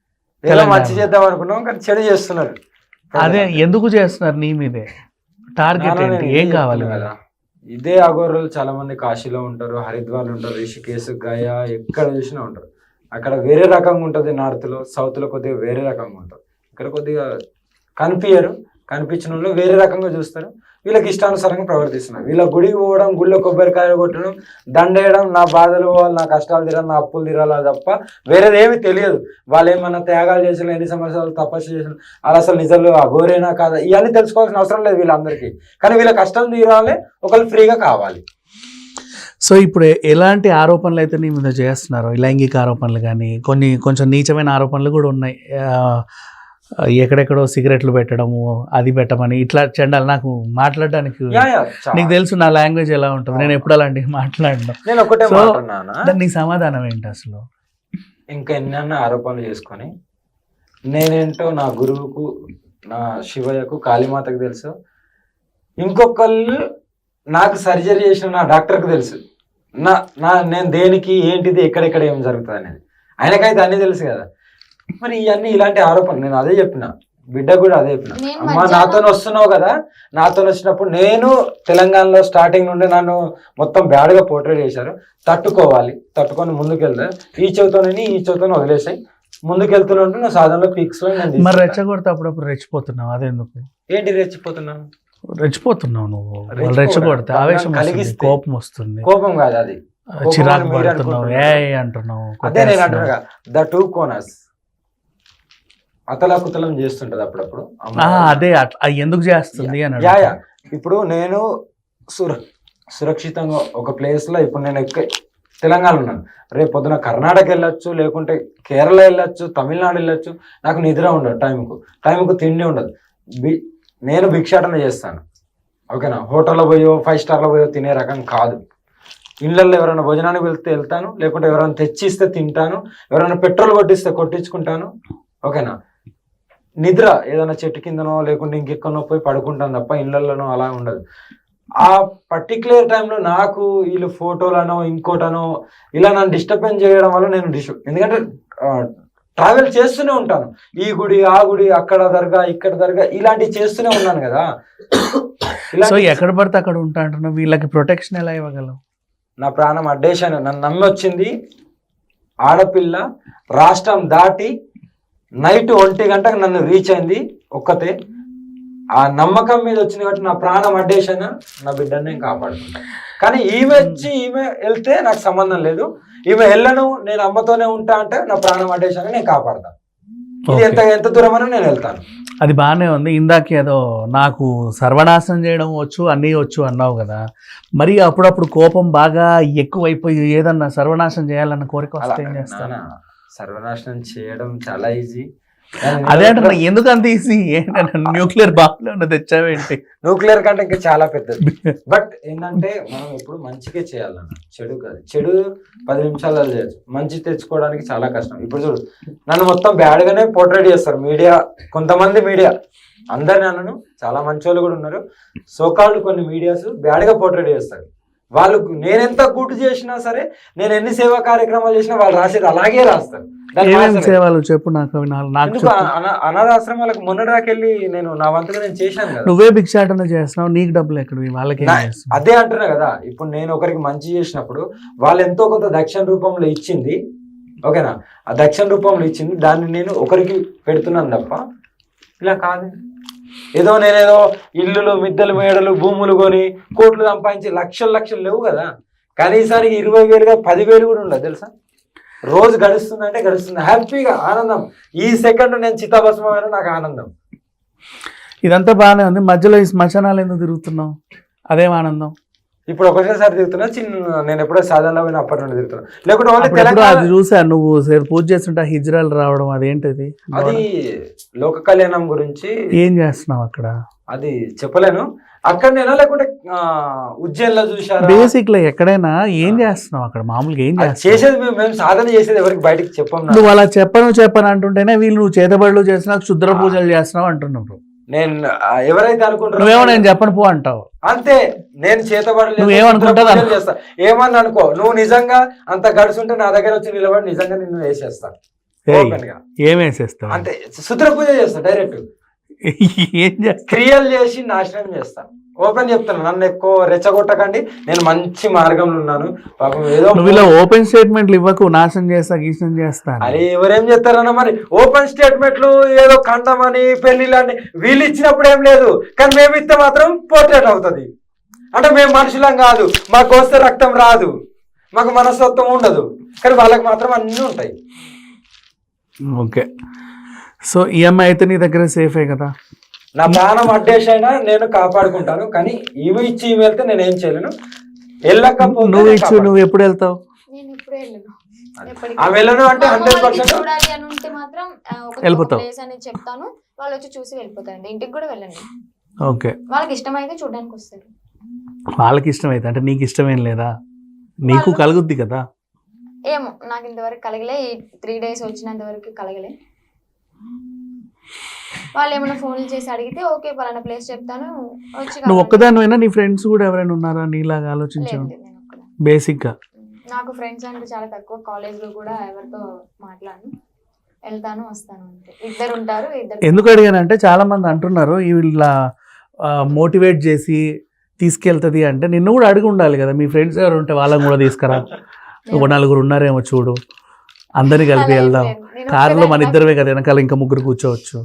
[SPEAKER 3] ఏదో మంచి చేద్దాం అనుకున్నాం కానీ చెడు చేస్తున్నారు.
[SPEAKER 1] అదే ఎందుకు చేస్తున్నారు నీ మీదే? టార్గెట్
[SPEAKER 3] నాన్న
[SPEAKER 1] ఏంటి?
[SPEAKER 3] నేను
[SPEAKER 1] ఏం
[SPEAKER 3] ఇదే
[SPEAKER 1] కావాలి
[SPEAKER 3] చెప్తున్నా
[SPEAKER 1] కదా?
[SPEAKER 3] కదా, ఇదే అఘోరాలు చాలా మంది కాశీలో ఉంటారు, హరిద్వార్ ఉంటారు, రిషికేశ్, గయా, ఎక్కడ చూసినా ఉంటారు. అక్కడ వేరే రకంగా ఉంటుంది, నార్త్ లో సౌత్ లో కొద్దిగా వేరే రకంగా ఉంటారు. ఇక్కడ కొద్దిగా కనిపించరు, కనిపించిన వాళ్ళు వేరే రకంగా చూస్తారు, వీళ్ళకి ఇష్టానుసారంగా ప్రవర్తిస్తున్నారు. వీళ్ళ గుడికి పోవడం, గుళ్ళో కొబ్బరికాయలు కొట్టడం, దండేయడం, నా బాధలు పోవాలి, నా కష్టాలు తీరాలి, నా అప్పులు తీరాలి తప్ప వేరేది ఏమీ తెలియదు. వాళ్ళు ఏమన్నా త్యాగాలు చేసిన, ఎన్ని సంవత్సరాలు తపస్సు చేసిన, వాళ్ళు అసలు నిజాలు అఘోరేనా కాదా ఇవన్నీ తెలుసుకోవాల్సిన అవసరం లేదు వీళ్ళందరికీ. కానీ వీళ్ళ కష్టం తీరాలి, ఒకళ్ళు ఫ్రీగా కావాలి.
[SPEAKER 1] సో ఇప్పుడు ఎ- ఎలాంటి ఆరోపణలు అయితే నీ మీద చేస్తున్నారో, ఈ లైంగిక ఆరోపణలు కానీ కొన్ని కొంచెం నీచమైన ఆరోపణలు కూడా ఉన్నాయి. ఆ, ఎక్కడెక్కడో సిగరెట్లు పెట్టడము, అది పెట్టమని, ఇట్లా చండాలి. నాకు మాట్లాడడానికి
[SPEAKER 3] యా, యా, చాలా.
[SPEAKER 1] నీకు తెలుసు నా లాంగ్వేజ్ ఎలా ఉంటుంది, నేను ఎప్పుడు అలాంటివి మాట్లాడను.
[SPEAKER 3] నేను ఒకటే
[SPEAKER 1] So,
[SPEAKER 3] మాట్లాడినా,
[SPEAKER 1] దానికి నీ సమాధానం ఏంటి అసలు?
[SPEAKER 3] ఇంకా ఎన్నెన్న ఆరోపణలు చేసుకొని నేనేంటో నా గురువుకు, నా శివయ్యకు, కాళీమాతకు తెలుసు. ఇంకొకళ్ళు నాకు సర్జరీ చేసిన నా డాక్టర్కి తెలుసు. నా నా నేను దేనికి ఏంటిది ఎక్కడెక్కడ ఏం జరుగుతుంది అనేది ఆయనకైతే అన్నీ తెలుసు కదా. మరి ఇవన్నీ ఇలాంటి ఆరోపణలు నేను అదే చెప్పిన బిడ్డ కూడా అదే చెప్పిన,
[SPEAKER 2] నేను
[SPEAKER 3] అమ్మా
[SPEAKER 2] మధ్యాహ్నం-
[SPEAKER 3] నాతో వస్తున్నావు కదా, నాతో వచ్చినప్పుడు నేను తెలంగాణలో స్టార్టింగ్ నుండి నన్ను మొత్తం బ్యాడ్గా పోర్ట్రేట్ చేశారు, తట్టుకోవాలి, తట్టుకొని ముందుకెళ్తా, ఈ చెవితోనని ఈ చెవితోనే వదిలేసాయి, ముందుకెళ్తున్నట్టు నా సాధనలో పీక్స్ లో నేను
[SPEAKER 1] మరి
[SPEAKER 3] తీసుకెళ్తా.
[SPEAKER 1] రెచ్చగొడితే అప్పుడప్పుడు రెచ్చిపోతున్నావు, అదెందుకు
[SPEAKER 3] ఏంటి రెచ్చిపోతున్నాను?
[SPEAKER 1] రెచ్చిపోతున్నావు నువ్వు? వాళ్ళు
[SPEAKER 3] రెచ్చిపోవడం,
[SPEAKER 1] రెచ్చగొడితే ఆవేశం వస్తుంది,
[SPEAKER 3] కలిగిస్తే.
[SPEAKER 1] కోపం వస్తుంది,
[SPEAKER 3] కోపం కాదు అది,
[SPEAKER 1] చిరాకు
[SPEAKER 3] మీరు
[SPEAKER 1] పడుతున్నావు, ఏ
[SPEAKER 3] అనుకుంటున్నారు.
[SPEAKER 1] అంటున్నావు,
[SPEAKER 3] అదే నేను
[SPEAKER 1] కొట్టేస్తున్నావు.
[SPEAKER 3] అంటున్నా ద టూ కోనర్స్ అతలాకుతలం చేస్తుంటది అప్పుడప్పుడు అమ్మ.
[SPEAKER 1] ఆ, అదే అట్లా అది ఎందుకు చేస్తుంది అని
[SPEAKER 3] యా యా.
[SPEAKER 1] అడుగుతున్నా.
[SPEAKER 3] ఇప్పుడు నేను సుర సురక్షితంగా ఒక ప్లేస్ లో ఇప్పుడు నేను ఎక్క తెలంగాణ ఉన్నాను, రేపు పొద్దున కర్ణాటక వెళ్ళొచ్చు, లేకుంటే కేరళ వెళ్ళొచ్చు, తమిళనాడు వెళ్ళొచ్చు, నాకు నిద్ర ఉండదు, టైంకు టైంకు తిండి ఉండదు, బి నేను భిక్షాటన చేస్తాను, ఓకేనా, హోటల్లో పోయో ఫైవ్ స్టార్లో పోయో తినే రకం కాదు. ఇళ్ళల్లో ఎవరైనా భోజనానికి వెళ్తే వెళ్తాను, లేకుంటే ఎవరైనా తెచ్చిస్తే తింటాను, ఎవరైనా పెట్రోల్ కొట్టిస్తే కొట్టించుకుంటాను, ఓకేనా. నిద్ర ఏదైనా చెట్టు కిందనో లేకుంటే ఇంకెక్కడనో పోయి పడుకుంటాను తప్ప ఇళ్ళల్లోనో అలా ఉండదు. ఆ పర్టికులర్ టైంలో నాకు వీళ్ళు ఫోటోలనో ఇంకోటనో ఇలా నన్ను డిస్టర్బెన్స్ చేయడం వల్ల నేను డిస్టర్బ్, ఎందుకంటే ట్రావెల్ చేస్తూనే ఉంటాను, ఈ గుడి ఆ గుడి అక్కడ దర్గా ఇక్కడ దర్గా ఇలాంటివి చేస్తూనే ఉన్నాను కదా.
[SPEAKER 1] సో
[SPEAKER 3] ఇలాంటి
[SPEAKER 1] ఎక్కడ పడితే అక్కడ ఉంటా అంటున్నావు, వీళ్ళకి ప్రొటెక్షన్ ఎలా ఇవ్వగలవు?
[SPEAKER 3] నా ప్రాణం అడ్డేశాను, నన్ను నమ్మి వచ్చింది ఆడపిల్ల, రాష్ట్రం దాటి నైట్ ఒంటి గంటకు నన్ను రీచ్ అయింది ఒక్కతే, ఆ నమ్మకం మీద వచ్చింది కాబట్టి నా ప్రాణం అడ్డేశాను, నా బిడ్డని నేను కాపాడుకుంటాను. కానీ ఈమె వచ్చి ఈమె వెళ్తే నాకు సంబంధం లేదు, ఈమె వెళ్ళను నేను అమ్మతోనే ఉంటా అంటే నా ప్రాణం అడ్డేశాను, నేను కాపాడతాను. ఇది ఎంత ఎంత దూరమైనా నేను వెళ్తాను.
[SPEAKER 1] అది బాగానే ఉంది. ఇందాక ఏదో నాకు సర్వనాశనం చేయడం వచ్చు అన్నీ వచ్చు అన్నావు కదా, మరి అప్పుడప్పుడు కోపం బాగా ఎక్కువైపోయి ఏదన్నా సర్వనాశనం చేయాలన్న కోరిక
[SPEAKER 3] అలా
[SPEAKER 1] వస్తే ఏం చేస్తాను?
[SPEAKER 3] నాన్న, సర్వనాశనం చేయడం చాలా ఈజీ.
[SPEAKER 1] అదే అంటే నాకు ఎందుకు అంత ఈజీ? న్యూక్లియర్ బాంబులో తెచ్చావేంటి?
[SPEAKER 3] న్యూక్లియర్ కంటే ఇంకా చాలా పెద్దది. బట్ ఏంటంటే మనం ఎప్పుడు మంచిగా చేయాలన్న, చెడు కాదు. చెడు పది నిమిషాలలో చేయొచ్చు, మంచి తెచ్చుకోవడానికి చాలా కష్టం. ఇప్పుడు చూడు, నన్ను మొత్తం బ్యాడ్ గానే పోర్ట్రేట్ చేస్తారు మీడియా, కొంతమంది మీడియా, అందరిని అన్నను, చాలా మంచి వాళ్ళు కూడా ఉన్నారు, సోకాళ్ళు కొన్ని మీడియాస్ బ్యాడ్ గా పోర్ట్రేట్ చేస్తారు. వాళ్ళు నేనెంత గుడ్ చేసినా సరే, నేను ఎన్ని సేవా కార్యక్రమాలు చేసినా వాళ్ళు రాసేది అలాగే రాస్తారు. దాన్ని
[SPEAKER 1] ఏమేమి
[SPEAKER 3] మార్చలేరు.
[SPEAKER 1] సేవలు చెప్పు నాకు, అవి నాకు నాకు
[SPEAKER 3] ఎందుకు
[SPEAKER 1] చెప్పు.
[SPEAKER 3] అనా- అనాథాశ్రమాలకు మొన్నటిదాకెళ్ళి నేను నా వంతుగా నేను చేశాను కదా.
[SPEAKER 1] నువ్వే భిక్షాటన చేస్తున్నావు, నీకు డబ్బులు ఎక్కడివి, వాళ్ళకి ఏం
[SPEAKER 3] నా-
[SPEAKER 1] చేస్తున్నావు?
[SPEAKER 3] అదే అంటున్నా కదా, ఇప్పుడు నేను ఒకరికి మంచి చేసినప్పుడు వాళ్ళు ఎంతో కొంత దక్షిణ రూపంలో ఇచ్చింది, ఓకేనా, ఆ దక్షిణ రూపంలో ఇచ్చింది దాన్ని నేను ఒకరికి పెడుతున్నాను తప్ప ఇలా కాదు. ఏదో నేనేదో ఇల్లులు మిద్దెలు మేడలు భూములు కొని కోట్లు సంపాదించి లక్షలు లక్షలు లేవు కదా, కనీసానికి ఇరవై వేలుగా పదివేలు కూడా ఉండదు తెలుసా. రోజు గడుస్తుందంటే గడుస్తుంది, హ్యాపీగా ఆనందం. ఈ సెకండ్ నేను చితాభస్మైన నాకు ఆనందం.
[SPEAKER 1] ఇదంతా బాగానే ఉంది, మధ్యలో ఈ శ్మశానాలు ఎందుకు తిరుగుతున్నావు? అదేం ఆనందం?
[SPEAKER 3] ఇప్పుడు ఒకటేసారి తిరుగుతున్నా, చిన్న నేను ఎప్పుడో సాధారణ పోయిన అప్పటి నుండి తిరుగుతున్నా, లేకుంటే ఓన్లీ
[SPEAKER 1] అప్పుడప్పుడు
[SPEAKER 3] తెలంగాణ.
[SPEAKER 1] అది చూసా, నువ్వు సేపు పూజ చేస్తుంటే హిజ్రాలు రావడం, అదేంటిది?
[SPEAKER 3] అది లోక కళ్యాణం గురించి
[SPEAKER 1] ఏం చేస్తున్నావు అక్కడ?
[SPEAKER 3] అది చెప్పలేను. అక్కడ నేనా లేకుంటే ఉజ్జయిన్లో చూసారా?
[SPEAKER 1] బేసిక్ లో ఎక్కడైనా ఏం చేస్తున్నావు అక్కడ? మామూలుగా ఏం
[SPEAKER 3] అది
[SPEAKER 1] చేస్తున్నావు?
[SPEAKER 3] చేసేది మేము మేము సాధన చేసేది ఎవరికి బయటకు చెప్పం.
[SPEAKER 1] నువ్వు అలా చెప్పను చెప్పను అంటుంటేనే వీళ్ళు నువ్వు చేతబడులు చేస్తున్నావు, క్షుద్ర పూజలు చేస్తున్నావు అంటున్నావు.
[SPEAKER 3] నేను ఆ, ఎవరైతే అనుకుంటారో
[SPEAKER 1] నువ్వేమో నేను చెప్పను పో అంటావు.
[SPEAKER 3] అంతే, నేను చేతబడలేదు,
[SPEAKER 1] నువ్వేమనుకుంటావు?
[SPEAKER 3] పూజలు చేస్తా, ఏమన్నా అనుకో, నువ్వు నిజంగా అంత గడుచుంటే నా దగ్గర వచ్చి నిలబడి నిజంగా నిన్ను వేసేస్తా
[SPEAKER 1] ఏయ్,
[SPEAKER 3] ఓపెన్ గా.
[SPEAKER 1] ఏం వేసేస్తావు?
[SPEAKER 3] అంతే, శుద్ర పూజ చేస్తా, డైరెక్ట్
[SPEAKER 1] ఏం చేస్తావు?
[SPEAKER 3] క్రియలు చేసి నాశనం చేస్తా. ఓపెన్ చెప్తాను, నన్ను ఎక్కువ రెచ్చగొట్టకండి, నేను మంచి మార్గంలో ఉన్నాను. పాపం ఏదో
[SPEAKER 1] నువ్వు ఇలా ఓపెన్ స్టేట్మెంట్లు ఇవ్వకు, నాశనం చేస్తా గీసం చేస్తా అని.
[SPEAKER 3] అరే ఎవరేం చేస్తారన్న, మరి ఓపెన్ స్టేట్మెంట్లు ఏదో ఖండమని పెళ్లిళ్ళని వీళ్ళు ఇచ్చినప్పుడు ఏం లేదు, కానీ మేము ఇస్తే మాత్రం పోర్ట్రేట్ అవుతుంది. అంటే మేము మనుషులం కాదు, మాకు వస్తే రక్తం రాదు, మాకు మనస్తత్వం ఉండదు, కానీ వాళ్ళకి మాత్రం అన్నీ ఉంటాయి.
[SPEAKER 1] ఓకే, సో ఈఎంఐ అయితే నీ దగ్గర సేఫే కదా?
[SPEAKER 3] నా ప్రాణం అడ్డేసైనా నేను కాపాడుకుంటాను, కానీ ఈమె ఇచ్చి ఈమె వెళ్తే నేను ఏం చేయలేను. వెళ్ళకపోతే
[SPEAKER 1] నువ్వు
[SPEAKER 3] నేను
[SPEAKER 1] ఇచ్చు,
[SPEAKER 3] కాపాడుకుంటాను.
[SPEAKER 1] నువ్వు ఎప్పుడు వెళ్తావు?
[SPEAKER 2] నేను ఇప్పుడే వెళ్ళను. ఎప్పటికీ.
[SPEAKER 3] ఆ వెళ్ళను అంటే
[SPEAKER 2] మా అమ్మ
[SPEAKER 3] హండ్రెడ్
[SPEAKER 2] వాళ్ళకి
[SPEAKER 3] పర్సెంట్
[SPEAKER 2] చూడాలి అని ఉంటే మాత్రం ఆ, ఒక
[SPEAKER 1] వెళ్ళిపోతావు.
[SPEAKER 2] ప్లేస్ అనేది చెప్తాను, వాళ్ళు వచ్చి చూసి వెళ్ళిపోతారండి. ఇంటికి కూడా వెళ్ళండి,
[SPEAKER 1] ఓకే,
[SPEAKER 2] వాళ్ళకి ఇష్టమైతే చూడడానికి వస్తారు.
[SPEAKER 1] వాళ్ళకి ఇష్టమైతే అంటే నీకు ఇష్టమేం లేదా? నీకు
[SPEAKER 2] వాళ్ళు-
[SPEAKER 1] కలుగుద్ది కదా.
[SPEAKER 2] ఏమో నాకు ఇంతవరకు కలగలే, ఈ త్రీ డేస్ వచ్చినంత వరకు కలగలే. వాళ్ళు ఏమైనా ఫోన్లు చేసి అడిగితే ఓకే పలానా ప్లేస్ చెప్తాను, వచ్చి
[SPEAKER 1] నువ్వు ఒక్కదానివైనా నీ ఫ్రెండ్స్ కూడా ఎవరైనా ఉన్నారా నీలాగా ఆలోచించావు?
[SPEAKER 2] లేదు, నేను ఒక్కదాన్ని.
[SPEAKER 1] బేసిక్ గా
[SPEAKER 2] నాకు ఫ్రెండ్స్ అంటే చాలా తక్కువ. కాలేజ్ లో కూడా ఎవరితో మాట్లాడను, వెళ్తాను వస్తాను అంతే. ఇద్దరు ఉంటారు, ఇద్దరు.
[SPEAKER 1] ఎందుకు అడిగానంటే చాలా మంది అంటున్నారు వీళ్ళ మోటివేట్ చేసి తీసుకెళ్తుంది అంటే నిన్ను కూడా అడిగి ఉండాలి కదా, మీ ఫ్రెండ్స్ ఎవరు ఉంటే వాళ్ళని కూడా తీసుకురా, ఒక నలుగురు ఉన్నారేమో చూడు, అందరినీ కలిపి
[SPEAKER 2] అలా ఏం
[SPEAKER 1] వెళ్దాం,
[SPEAKER 2] లేదు. నేను
[SPEAKER 1] కారులో మన
[SPEAKER 2] ఒక్కదాన్ని-
[SPEAKER 1] ఇద్దరమే కదా, వెనకాల ఇంకా ముగ్గురు కూర్చోవచ్చు.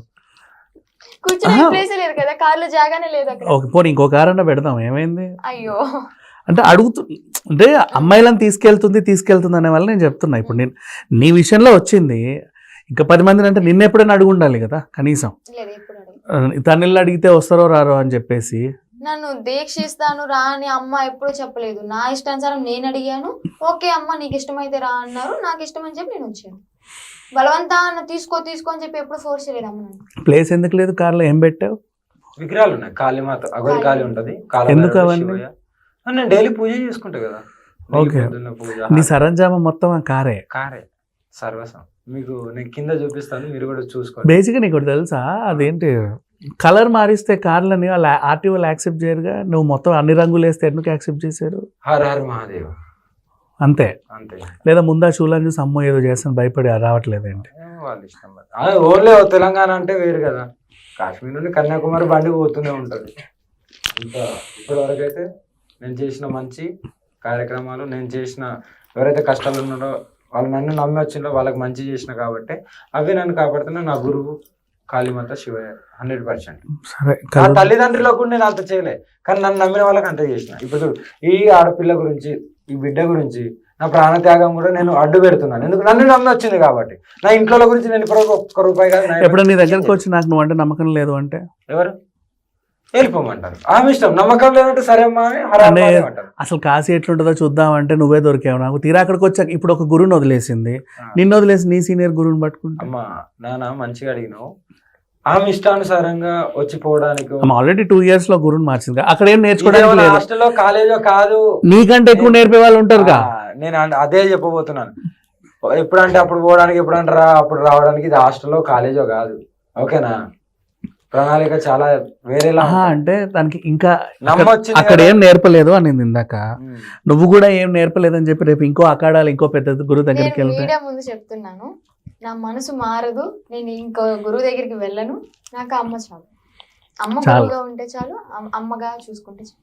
[SPEAKER 2] కూర్చొని
[SPEAKER 1] ఆహా.
[SPEAKER 2] ప్లేస్ లేదు కదా, కార్లో జాగానే లేదు అక్కడ.
[SPEAKER 1] ఓకే పోనీ ఇంకో కారు అన్నా పెడదాం, ఏమైంది
[SPEAKER 2] అయ్యో
[SPEAKER 1] అంటే అడుగుతు అంటే అమ్మాయిలను తీసుకెళ్తుంది తీసుకెళ్తుంది అనే వల్ల నేను చెప్తున్నా. ఇప్పుడు నేను నీ విషయంలో వచ్చింది, ఇంకా పది మందిని అంటే నిన్న ఎప్పుడైనా అడుగు ఉండాలి కదా కనీసం,
[SPEAKER 2] లేదు ఎప్పుడు అడగలేదు.
[SPEAKER 1] తనని అడిగితే వస్తారో రారో అని చెప్పేసి.
[SPEAKER 2] నన్ను దీక్షిస్తాను రా అని అమ్మ ఎప్పుడూ చెప్పలేదు. నా ఇష్టానుసారం నేను అడిగాను, ఓకే అమ్మ నీకు ఇష్టమైతే రా అన్నారు, నాకు ఇష్టం అని చెప్పి నేను వచ్చాను. బలవంతా అన్న తీసుకో తీసుకో అని చెప్పి ఎప్పుడు ఫోర్స్ చేయలేదు అమ్మ నన్ను.
[SPEAKER 1] ప్లేస్ ఎందుకు లేదు కార్లో, ఏం పెట్టావు?
[SPEAKER 3] విగ్రహాలు ఉన్నాయి, కాళీమాత అగోరి కాళీ ఉంటది, కాళభైరవుడు,
[SPEAKER 1] ఎందుకు అవన్నీ?
[SPEAKER 3] శివయ్య. ఆ, నేను డైలీ పూజ చేసుకుంటా కదా.
[SPEAKER 1] ఓకే.
[SPEAKER 3] పొద్దున్న పూజ,
[SPEAKER 1] నీ సరంజామా మొత్తం ఆ కారే.
[SPEAKER 3] కారే సర్వసం. మీకు నేను కింద చూపిస్తాను, మీరు కూడా చూసుకోండి.
[SPEAKER 1] బేసిక్గా నీకు ఒకటి తెలుసా, అదేంటి కలర్ మారిస్తే కార్లని వాళ్ళు ఆర్టీఓలు యాక్సెప్ట్ చేయరుగా, నువ్వు మొత్తం అన్ని రంగులు వేస్తే ఎందుకు యాక్సెప్ట్ చేశారు?
[SPEAKER 3] హర హర మహాదేవ్
[SPEAKER 1] అంతే.
[SPEAKER 3] అంతే,
[SPEAKER 1] లేదా ముందా చూలని చూసి అమ్మో ఏదో చేస్తాను భయపడి రావట్లేదేంటి?
[SPEAKER 3] ఏమో వాళ్ళ ఇష్టం మరి. ఆ, ఓన్లీ తెలంగాణ అంటే వేరు కదా, కాశ్మీర్ నుండి కన్యాకుమారి బండి పోతూనే ఉంటుంది. ఇంకా ఇప్పటి వరకు అయితే నేను చేసిన మంచి కార్యక్రమాలు, నేను చేసిన ఎవరైతే కష్టాలు ఉన్నారో వాళ్ళు నన్ను నమ్మి వచ్చిందో వాళ్ళకి మంచి చేసిన కాబట్టి అవి నన్ను కాపాడుతున్నా. నా గురువు కాళీమాత శివయ్య హండ్రెడ్ పర్సెంట్.
[SPEAKER 1] సరే
[SPEAKER 3] నా తల్లిదండ్రులకు కూడా నేను అంత చేయలే, కానీ నన్ను నమ్మిన వాళ్ళకి అంత చేసిన. ఇప్పుడు చూడు, ఈ ఆడపిల్ల గురించి, ఈ బిడ్డ గురించి నా ప్రాణత్యాగం కూడా నేను అడ్డు పెడుతున్నాను, ఎందుకు నన్ను నమ్మి వచ్చింది కాబట్టి. నా ఇంట్లో గురించి నేను ఇప్పుడు ఒక్క రూపాయి కాదు. నా-
[SPEAKER 1] ఎప్పుడైనా నీ దగ్గరకు వచ్చి నాకు నువ్వు అంటే నమ్మకం లేదు అంటే
[SPEAKER 3] ఎవరు వెళ్ళిపోమంటారు, ఆమె ఇష్టం. నమ్మకం లేదంటే సరే అమ్మా అని హర హర
[SPEAKER 1] అంటే
[SPEAKER 3] మహాదేవ్ అంటారు.
[SPEAKER 1] అసలు కాశీ ఎట్లుంటుందో చూద్దాం అంటే నువ్వే దొరికావు నాకు. తీరా అక్కడికి వచ్చాక ఇప్పుడు ఒక గురువుని వదిలేసింది, నిన్ను వదిలేసి నీ సీనియర్ గురువుని పట్టుకుంటా.
[SPEAKER 3] అమ్మా నాన్న మంచిగా అడిగినావు, ఆమె ఇష్టానుసారంగా వచ్చిపోవడానికి.
[SPEAKER 1] ఆల్రెడీ టూ ఇయర్స్ లో గురువుని మార్చింది, అక్కడ ఏం నేర్చుకోవడానికి లేదు.
[SPEAKER 3] హాస్టల్లో కాలేజో కాదు,
[SPEAKER 1] నీకంటే ఎక్కువ నేర్పే వాళ్ళు ఉంటారుగా.
[SPEAKER 3] ఆ, నేను అన్- అదే చెప్పబోతున్నాను. ఎప్పుడంటే అప్పుడు పోవడానికి, ఎప్పుడంటే రా అప్పుడు రావడానికి. ఇది హాస్టల్లో కాలేజో కాదు, ఓకేనా? ప్రణాళిక చాలా వేరేలా
[SPEAKER 1] ఆహా,
[SPEAKER 3] ఉంటుంది.
[SPEAKER 1] అంటే దానికి ఇంకా
[SPEAKER 3] నమ్మొచ్చింది
[SPEAKER 1] అక్కడ
[SPEAKER 3] కదా.
[SPEAKER 1] ఏం నేర్పలేదు అని ఇందాక,
[SPEAKER 3] ఉమ్.
[SPEAKER 1] నువ్వు కూడా ఏం నేర్పలేదని చెప్పి రేపు ఇంకో అకాడాలు ఇంకో పెద్ద గురువు దగ్గరికి
[SPEAKER 2] నేను
[SPEAKER 1] వెళ్తే
[SPEAKER 2] మీడియా ముందు చెప్తున్నాను, నా మనసు మారదు, నేను ఇంకో గురువు దగ్గరికి వెళ్ళను. నాకు అమ్మ చాలు, అమ్మ
[SPEAKER 1] చాలు.
[SPEAKER 2] గురువుగా ఉంటే చాలు, అమ్- అమ్మగా చూసుకుంటే చాలు.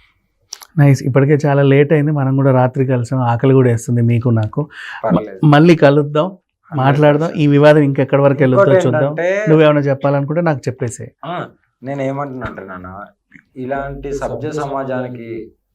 [SPEAKER 1] నైస్. ఇప్పటికే చాలా లేట్ అయింది, మనం కూడా రాత్రి కలిసాం, ఆకలి కూడా వేస్తుంది మీకు నాకు.
[SPEAKER 3] పర్లేదు.
[SPEAKER 1] మళ్ళీ కలుద్దాం, మాట్లాడదాం. ఈ వివాదం ఇంకెక్కడి వరకు వెళ్తుందో
[SPEAKER 3] ఇంకోటి
[SPEAKER 1] చూద్దాం.
[SPEAKER 3] ఏంటంటే,
[SPEAKER 1] నువ్వేమైనా చెప్పాలనుకుంటే నాకు చెప్పేసి.
[SPEAKER 3] ఆ, నేను ఏమంటున్నా అంటే నాన్న, ఇలాంటి సభ్య సమాజానికి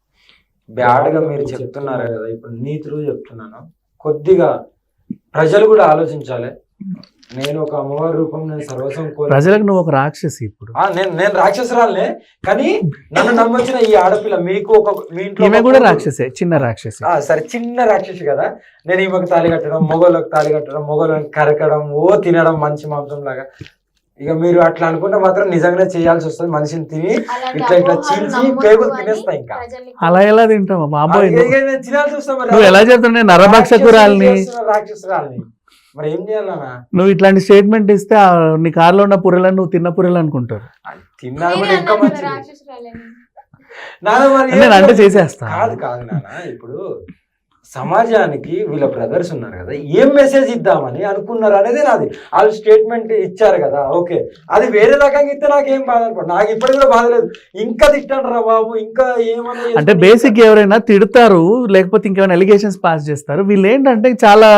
[SPEAKER 3] బ్యాడ్ గా మీరు చెప్తున్నారు కదా, ఇప్పుడు నీతులు చెప్తున్నాను. కొద్దిగా ప్రజలు కూడా ఆలోచించాలి. నేను ఒక అమ్మవారి రూపం, నేను సర్వస్వం కోరి
[SPEAKER 1] ప్రజలకు నువ్వు ఒక రాక్షసి ఇప్పుడు.
[SPEAKER 3] ఆ, నేను నేను రాక్షసురాలనే, కానీ నన్ను నమ్మొచ్చిన ఈ ఆడపిల్ల, మీకు ఒక మీ ఇంట్లో
[SPEAKER 1] ఈమె
[SPEAKER 3] ఒక
[SPEAKER 1] కూడా
[SPEAKER 3] కూతురు.
[SPEAKER 1] రాక్షసే, చిన్న రాక్షసి.
[SPEAKER 3] ఆ, సరే చిన్న రాక్షసి కదా. నేను ఈమెకు తాళి కట్టడం, మొగోళ్ళకి తాళి కట్టడం, మొగోళ్ళని కరకడం, ఓ తినడం మంచి మాంసం లాగా. ఇక మీరు అట్లా అనుకుంటే మాత్రం నిజంగానే చేయాల్సి వస్తుంది. మనిషిని తిని
[SPEAKER 2] అలాంటి
[SPEAKER 3] ఇట్లా ఇట్లా
[SPEAKER 2] అపోహలు
[SPEAKER 3] చీల్చి
[SPEAKER 2] నమ్మొద్దు
[SPEAKER 3] పేగులు
[SPEAKER 2] అని
[SPEAKER 3] తినేస్తా ఇంకా.
[SPEAKER 2] ప్రజల్ని
[SPEAKER 1] అలా ఎలా తింటావా బాబోయ్?
[SPEAKER 3] ఇక- ఇక నేను తినాల్సి వస్తా మరి.
[SPEAKER 1] నువ్వు ఎలా చెప్తున్నావు నరభక్షకురాల్ని?
[SPEAKER 3] రాక్షసుని రాక్షసురాల్ని మరి ఏం చేయాలన్నా?
[SPEAKER 1] నువ్వు ఇట్లాంటి స్టేట్మెంట్ ఇస్తే ఆ నీ కారులో ఉన్న పుర్రెలను నువ్వు తిన్న పుర్రెలు అనుకుంటారు.
[SPEAKER 3] తిన్నా
[SPEAKER 2] మీరే
[SPEAKER 3] కూడా ఇంకా
[SPEAKER 2] అన్నారు కదా,
[SPEAKER 3] మంచిది.
[SPEAKER 2] రాక్షసురాలని.
[SPEAKER 3] నాన్న మరి
[SPEAKER 1] నేను
[SPEAKER 3] ఏం
[SPEAKER 1] అంటే
[SPEAKER 3] చేయాలి?
[SPEAKER 1] చేసేస్తా.
[SPEAKER 3] కాదు కాదు నాన్న, ఇప్పుడు సమాజానికి వీళ్ళ బ్రదర్స్ ఉన్నారు కదా, ఏం మెసేజ్ ఇద్దామని అనుకున్నారు అనేది నాది. వాళ్ళు స్టేట్మెంట్ ఇచ్చారు కదా, ఓకే, అది వేరే రకంగా ఇస్తే నాకేం బాధ అనుకోండి, నాకు ఇప్పటికి కూడా బాధ లేదు. ఇంకా తిట్టండి రా బాబు, ఇంకా ఏమన్నా
[SPEAKER 1] అంటే బేసిక్ ఎవరైనా తిడతారు, లేకపోతే ఇంకేమైనా ఎలిగేషన్స్ పాస్ చేస్తారు. వీళ్ళు ఏంటంటే చాలా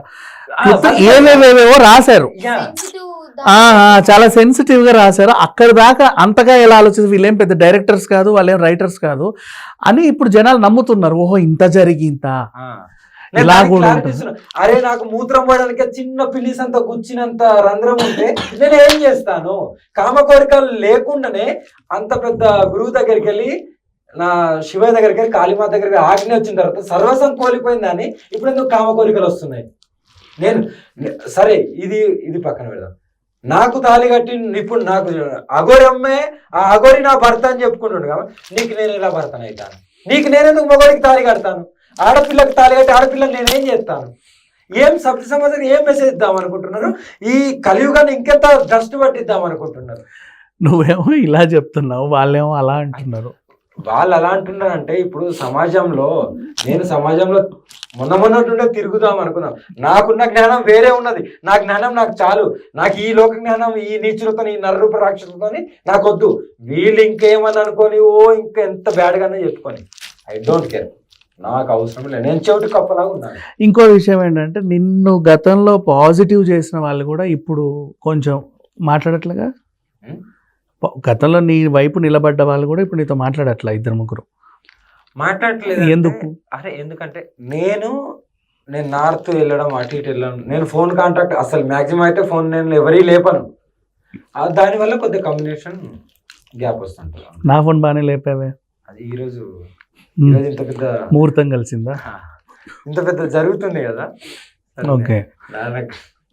[SPEAKER 1] ఏవేవేవో రాశారు,
[SPEAKER 2] Sensitive
[SPEAKER 1] ఆ,
[SPEAKER 2] దాని-
[SPEAKER 1] ఆ, చాలా సెన్సిటివ్ గా రాశారు. అక్కడ దాకా అంతగా ఎలా ఆలోచిస్తారు, వీళ్ళేం పెద్ద డైరెక్టర్స్ కాదు, వాళ్ళేం రైటర్స్ కాదు అని ఇప్పుడు జనాలు నమ్ముతున్నారు. ఓహో ఇంత జరిగి ఇంత
[SPEAKER 3] నేను
[SPEAKER 1] ఇలా
[SPEAKER 3] దానికి
[SPEAKER 1] కూడా
[SPEAKER 3] clarity
[SPEAKER 1] ఉంటుంది.
[SPEAKER 3] ఇస్తున్నా. అరే నాకు మూత్రం పోయడానికి చిన్న పిల్లిస్ అంత గుచ్చినంత రంధ్రం ఉంటే నేను ఏం చేస్తాను? కామ కోరికలు లేకుండానే అంత పెద్ద గురువు దగ్గరికి వెళ్ళి, నా శివయ్య దగ్గరికి వెళ్ళి, కాళీమాత దగ్గరికి ఆజ్ఞ వచ్చిన తర్వాత సర్వసం కోల్పోయిందని ఇప్పుడు ఎందుకు కామ కోరికలు వస్తున్నాయి? నేను సరే ఇది ఇది పక్కన పెడదాం. నాకు తాళి కట్టి ఇప్పుడు నాకు అగోరి అమ్మే, ఆ అగోరి నా భర్త అని చెప్పుకుంటుండు కదా, నీకు నేను ఎలా భర్తను అవుతాను? నీకు నేనెందుకు మగోడికి తాళి కడతాను? ఆడపిల్లకి తాళి కట్టి ఆడపిల్లని నేనేం చేస్తాను? ఏం సభ్య సమాజానికి ఏం మెసేజ్ ఇద్దాం అనుకుంటున్నారు? ఈ కలియుగాన్ని ఇంకెంత డస్ట్ పట్టిద్దాం అనుకుంటున్నారు?
[SPEAKER 1] నువ్వేమో ఇలా చెప్తున్నావు, వాళ్ళేమో అలా అంటున్నారు.
[SPEAKER 3] వాళ్ళు ఎలా అంటున్నారంటే ఇప్పుడు సమాజంలో నేను సమాజంలో మొన్న మొన్నట్టుండే తిరుగుదాం అనుకున్నాం. నాకున్న జ్ఞానం వేరే ఉన్నది. నా జ్ఞానం నాకు చాలు. నాకు ఈ లోక జ్ఞానం ఈ నీచులతో ఈ నరరూప రాక్షసులతో నాకు వద్దు. వీళ్ళు ఇంకేమని అనుకొని ఓ ఇంకా ఎంత బ్యాడ్గానే చెప్పుకొని ఐ డోంట్ కేర్. నాకు అవసరం లేదు. నేను చెవిటి కప్పలాగా ఉన్నాను.
[SPEAKER 1] ఇంకో విషయం ఏంటంటే నిన్ను గతంలో పాజిటివ్ చేసిన వాళ్ళు కూడా ఇప్పుడు కొంచెం మాట్లాడట్లేగా.
[SPEAKER 3] ఉం?
[SPEAKER 1] ప- గతంలో నీ వైపు నిలబడ్డ వాళ్ళు కూడా ఇప్పుడు నీతో మాట్లాడట్లా ఇద్దరు ముగ్గురు.
[SPEAKER 3] మాట్లాడట్లేదు.
[SPEAKER 1] ఎందుకు?
[SPEAKER 3] అరే ఎందుకంటే నేను నేను నార్త్ వెళ్ళడం అటు ఇటు వెళ్ళడం నేను ఫోన్ కాంటాక్ట్ అసలు మ్యాక్సిమం అయితే ఫోన్ నేను ఎవరీ లేపను. ఆ దానివల్ల కొద్దిగా కమ్యూనికేషన్ గ్యాప్ వస్తుంటుంది.
[SPEAKER 1] నా ఫోన్ బాగానే లేపావే.
[SPEAKER 3] అది ఈరోజు
[SPEAKER 1] ఉమ్.
[SPEAKER 3] ఈరోజు ఇంత పెద్ద
[SPEAKER 1] ముహూర్తం కలిసిందా?
[SPEAKER 3] ఇంత పెద్ద జరుగుతుంది కదా.
[SPEAKER 1] ఓకే
[SPEAKER 3] నాకు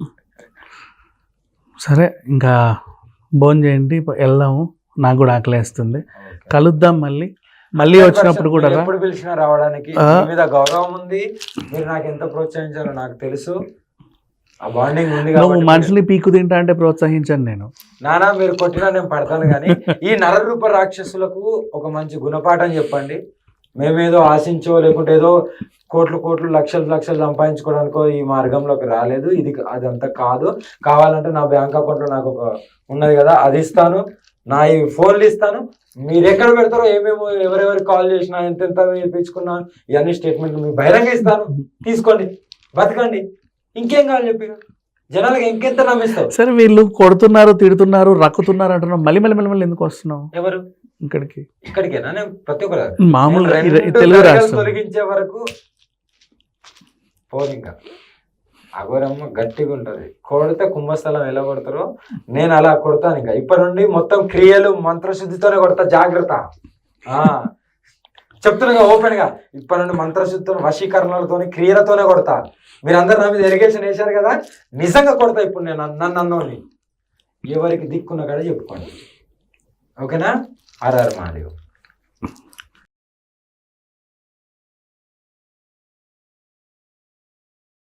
[SPEAKER 1] సరే, ఇంకా భోజనం చేయండి, వెళ్దాము. నాకు కూడా ఆకలేస్తుంది. కలుద్దాం మళ్ళీ. మళ్ళీ వచ్చినప్పుడు కూడా రా.
[SPEAKER 3] ఎప్పుడు పిలిచినా రావడానికి
[SPEAKER 1] ఆ.
[SPEAKER 3] మీ మీద గౌరవం ఉంది. మీరు నాకు ఎంత ప్రోత్సహించారో నాకు తెలుసు. ఆ బాండింగ్ ఉంది
[SPEAKER 1] నువ్వు
[SPEAKER 3] కాబట్టి
[SPEAKER 1] మనుషుల్ని పీకు తింటా అంటే ప్రోత్సహించాను నేను.
[SPEAKER 3] నానా మీరు కొట్టినా నేను పడతాను. కానీ ఈ నరరూప రాక్షసులకు ఒక మంచి గుణపాఠం చెప్పండి. మేమేదో ఆశించో లేకుంటే ఏదో కోట్లు కోట్లు లక్షలు లక్షలు సంపాదించుకోవడానికో ఈ మార్గంలోకి రాలేదు. ఇది అదంతా కాదు. కావాలంటే నా బ్యాంక్ అకౌంట్లో నాకు ఒక ఉన్నది కదా, అది ఇస్తాను. నా ఈ ఫోన్లు ఇస్తాను. మీరు ఎక్కడ పెడతారో ఏమేమో ఎవరెవరికి కాల్ చేసినా ఎంతెంత ఇప్పించుకున్నా ఇవన్నీ స్టేట్మెంట్ మీకు బహిరంగ ఇస్తాను. తీసుకోండి, బతకండి. ఇంకేం కావాలి చెప్పి జనాలకు ఇంకెంత నమ్మిస్తావు?
[SPEAKER 1] సరే, వీళ్ళు కొడుతున్నారు, తిడుతున్నారు, రక్కుతున్నారు అంటున్నావు. మళ్ళీ మళ్ళీ మళ్ళీ మళ్ళీ ఎందుకు వస్తున్నావు
[SPEAKER 3] ఎవరు
[SPEAKER 1] ఇక్కడికి?
[SPEAKER 3] ఇక్కడికేనా? నేను ప్రతి ఒక్కరు
[SPEAKER 1] మామూలు
[SPEAKER 3] నేను
[SPEAKER 1] ఇర-
[SPEAKER 3] రెండు
[SPEAKER 1] తెలుగు
[SPEAKER 3] తరగతులు
[SPEAKER 1] రాష్ట్రం.
[SPEAKER 3] తొలగించే వరకు పోదు. ఇంకా అఘోరమ్మ గట్టిగా ఉంటది. కొడితే కుంభస్థలం ఎలా కొడతారో నేను అలా కొడతాను. ఇంకా ఇప్పటి నుండి మొత్తం క్రియలు మంత్రశుద్ధితోనే కొడతా. జాగ్రత్త. ఆ చెప్తున్నా ఓపెన్ గా, ఇప్పటి నుండి మంత్రశుద్ధితో వశీకరణలతో క్రియలతోనే కొడతా. మీరందరూ నా మీద ఎరిగేషన్ వేశారు కదా, నిజంగా కొడతా. ఇప్పుడు నేను నన్ను అన్నోని ఎవరికి దిక్కున్న కాడ చెప్పుకోండి. ఓకేనా? R R Mahadev.